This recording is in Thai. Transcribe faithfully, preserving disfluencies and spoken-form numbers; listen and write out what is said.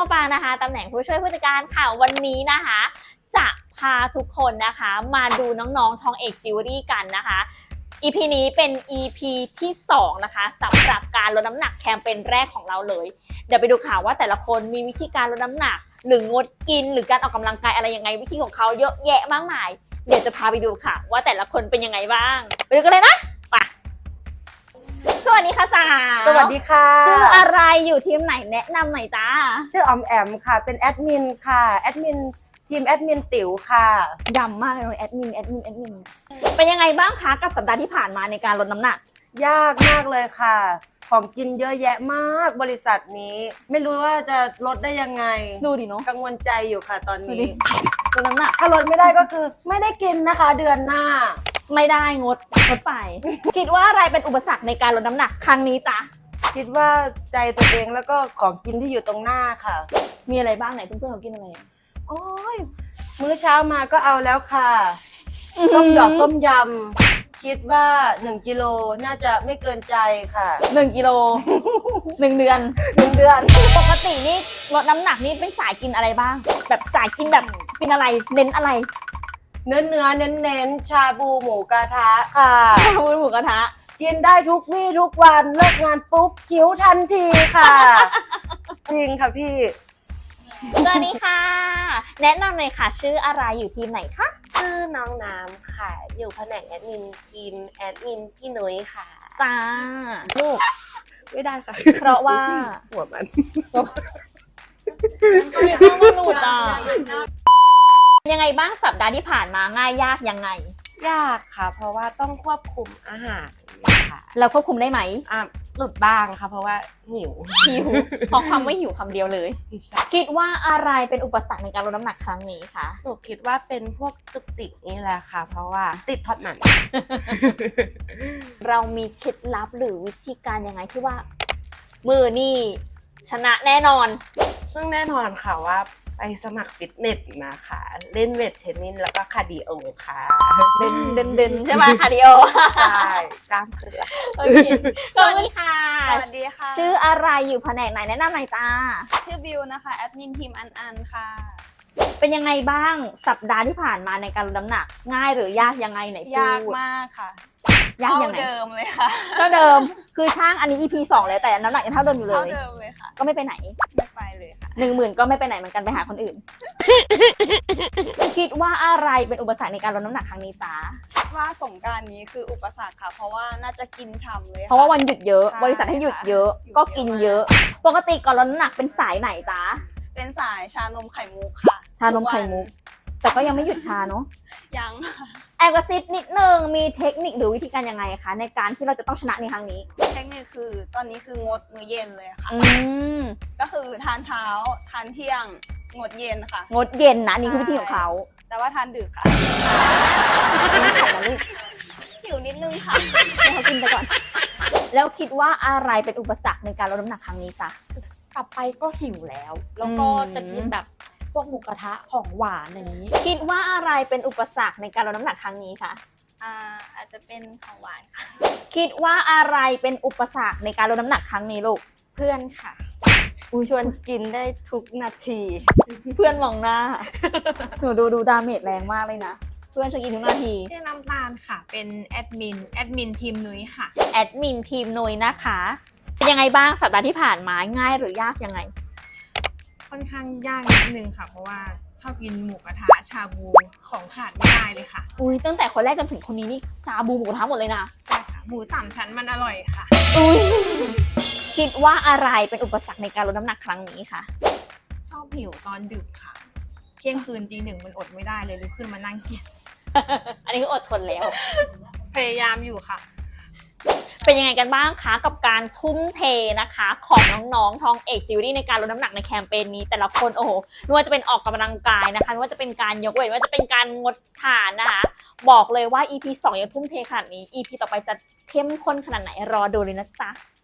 องปางนะคะตำแหน่งผู้ช่วยผู้จัดการค่ะวันนี้นะคะจะพาทุกคนนะคะมาดูน้องๆทองเอกจิวเวลรี่กันนะคะ อี พี นี้เป็น อี พี ที่สองนะคะสำหรับการลดน้ำหนักแคมเปญแรกของเราเลยเดี๋ยวไปดูข่าวว่าแต่ละคนมีวิธีการลดน้ำหนักหรืองดกินหรือการออกกำลังกายอะไรยังไงวิธีของเขาเยอะแยะมากมายเดี๋ยวจะพาไปดูค่ะว่าแต่ละคนเป็นยังไงบ้างไปดูกันเลยนะไปสวัสดีค่ะสาวสวัสดีค่ะชื่ออะไรอยู่ทีมไหนแนะนำหน่อยจ้าชื่อออมแอมค่ะเป็นแอดมินค่ะแอดมินทีมแอดมินติ๋วค่ะดำมากเลยแอดมินแอดมินแอดมินเป็นยังไงบ้างคะกับสัปดาห์ที่ผ่านมาในการลดน้ำหนักยากมากเลยค่ะของกินเยอะแยะมากบริษัทนี้ไม่รู้ว่าจะลดได้ยังไงดูดิเนาะกังวลใจอยู่ค่ะตอนนี้ลดน้ำหนักถ้าลดไม่ได้ก็คือไม่ได้กินนะคะเดือนหน้าไม่ได้งดงดไป คิดว่าอะไรเป็นอุปสรรคในการลดน้ำหนักครั้งนี้จ๊ะคิดว่าใจตัวเองแล้วก็ของกินที่อยู่ตรงหน้าค่ะมีอะไรบ้างไหนเพื่อนๆเขากินอะไรโอ้ยมื้อเช้ามาก็เอาแล้วค่ะต้มหยอกต้มยำคิดว่าหนึ่งกิโลน่าจะไม่เกินใจค่ะหนึ่งกิโลหนึ่งเดือนหนึ่งเดือนปกตินี่ลดน้ำหนักนี่เป็นสายกินอะไรบ้างแบบสายกินแบบเป็นอะไรเน้นอะไรเนื้อเนื้อเน้นเน้นชาบูหมูกระทะค่ะชาบูหมูกระทะกินได้ทุกวี่ทุกวันเลิกงานปุ๊บหิวทันทีค่ะจริงค่ะพี่สวัสดีค่ะแนะนำเลยค่ะชื่ออะไรอยู่ทีมไหนคะชื่อน้องน้ำค่ะอยู่แผนกแอดมินทีมแอดมินพี่นุ้ยค่ะจ้าลูกไม่ได้ค่ะเพราะว่าหัวมันเดี๋ยวต้องมาหลุดอ่ะยังไงบ้างสัปดาห์ที่ผ่านมาง่ายยากยังไงยากค่ะเพราะว่าต้องควบคุมอาหารค่ะเราควบคุมได้ไหมอ่ะหลุดบ้างค่ะเพราะว่าหิวหิวเพราะความไม่หิวคำเดียวเลยคิดว่าอะไรเป็นอุปสรรคในการลดน้ำหนักครั้งนี้คะหนูคิดว่าเป็นพวกจุกจิกนี่แหละค่ะเพราะว่าติดทอดมันเรามีเคล็ดลับหรือวิธีการยังไงที่ว่ามือนี่ชนะแน่นอนซึ่งแน่นอนค่ะว่าไปสมัครฟิตเนสนะคะเล่นเวทเทรนนิ่งแล้วก็คาร์ดิโอค่ะเดินเดินเดินใช่ไหมคาร์ดิโอใช่กล้ามเครือโอเคสวัสดีค่ะสวัสดีค่ะชื่ออะไรอยู่แผนกไหนแนะนำหน่อยจ้าชื่อบิวนะคะแอดมินทีมอันอันค่ะเป็นยังไงบ้างสัปดาห์ที่ผ่านมาในการลดน้ำหนักง่ายหรือยากยังไงไหนพูดยากมากค่ะยากยังไงเท่าเดิมเลยค่ะเท่าเดิมคือช่างอันนี้ อี พี สองเลยแต่น้ำหนักยังเท่าเดิมอยู่เลยเท่าเดิมเลยค่ะก็ไม่ไปไหนไม่ไปเลยค่ะหนึ่งหมื่นก็ไม่ไปไหนเหมือนกันไปหาคนอื่นคิดว่าอะไรเป็นอุปสรรคในการลดน้ำหนักครั้งนี้จ้าว่าสงกรานต์นี้คืออุปสรรคค่ะเพราะว่าน่าจะกินฉ่ำเลยเพราะว่าวันหยุดเยอะบริษัทให้หยุดเยอะก็กินเยอะปกติก่อนลดน้ำหนักเป็นสายไหนจ้าเป็นสายชานมไข่มุกค่ะชานมไข่มุกแต่ก็ยังไม่หยุดชาเนาะยังแอบกระซิบนิดนึงมีเทคนิคหรือวิธีการยังไงคะในการที่เราจะต้องชนะในครั้งนี้เทคนิคคือตอนนี้คืองดมื้อเย็นเลยค่ะอืมก็คือทานเช้าทานเที่ยงงดเย็นค่ะงดเย็นนะนี่คือวิธีของเขาแต่ว่าทานดึกค่ะไม่ขายนะลูกหิวนิดนึงค่ะให้เขากินไปก่อนแล้วคิดว่าอะไรเป็นอุปสรรคในการลดน้ำหนักครั้งนี้จ๊ะกลับไปก็หิวแล้วแล้วก็จะกินแบบพวกหมูกระทะของหวานอย่างนี้คิดว่าอะไรเป็นอุปสรรคในการลดน้ำหนักครั้งนี้คะอ่าอาจจะเป็นของหวานค่ะคิดว่าอะไรเป็นอุปสรรคในการลดน้ำหนักครั้งนี้ลูกเพื่อนค่ะอูชวนกินได้ทุกนาทีเพื่อนมองหน้าหนูดูดูดาเมจแรงมากเลยนะเพื่อนชวนกินทุกนาทีชื่อน้ำตาลค่ะเป็นแอดมินแอดมินทีมนุ้ยค่ะแอดมินทีมนุ้ยนะคะเป็นยังไงบ้างสัปดาห์ที่ผ่านมาง่ายหรือยากยังไงค่อนข้างยากนิดนึงค่ะเพราะว่าชอบกินหมูกระทะชาบูของขาดไม่ได้เลยค่ะอุ้ยตั้งแต่คนแรกจนถึงคนนี้นี่ชาบูหมูกระทะหมดเลยนะใช่ค่ะหมูสามชั้นมันอร่อยค่ะอุ้ยคิดว่าอะไรเป็นอุปสรรคในการลดน้ำหนักครั้งนี้คะชอบหิวตอนดึกค่ะเที่ยงคืนตีหนึ่งมันอดไม่ได้เลยลุกขึ้นมานั่งกินอันนี้ก็อดทนแล้วพยายามอยู่ค่ะเป็นยังไงกันบ้างคะกับการทุ่มเทนะคะของน้องๆทองเอกจิวเวลรี่ในการลดน้ำหนักในแคมเปญนี้แต่ละคนโอ้โหไม่ว่าจะเป็นออกกำลังกายนะคะไม่ว่าจะเป็นการยกเวทไม่ว่าจะเป็นการงดทานนะคะบอกเลยว่า อี พี สองยังทุ่มเทขนาดนี้ อี พี ต่อไปจะเข้มข้นขนาดไหนรอดูเลยนะจ๊ะ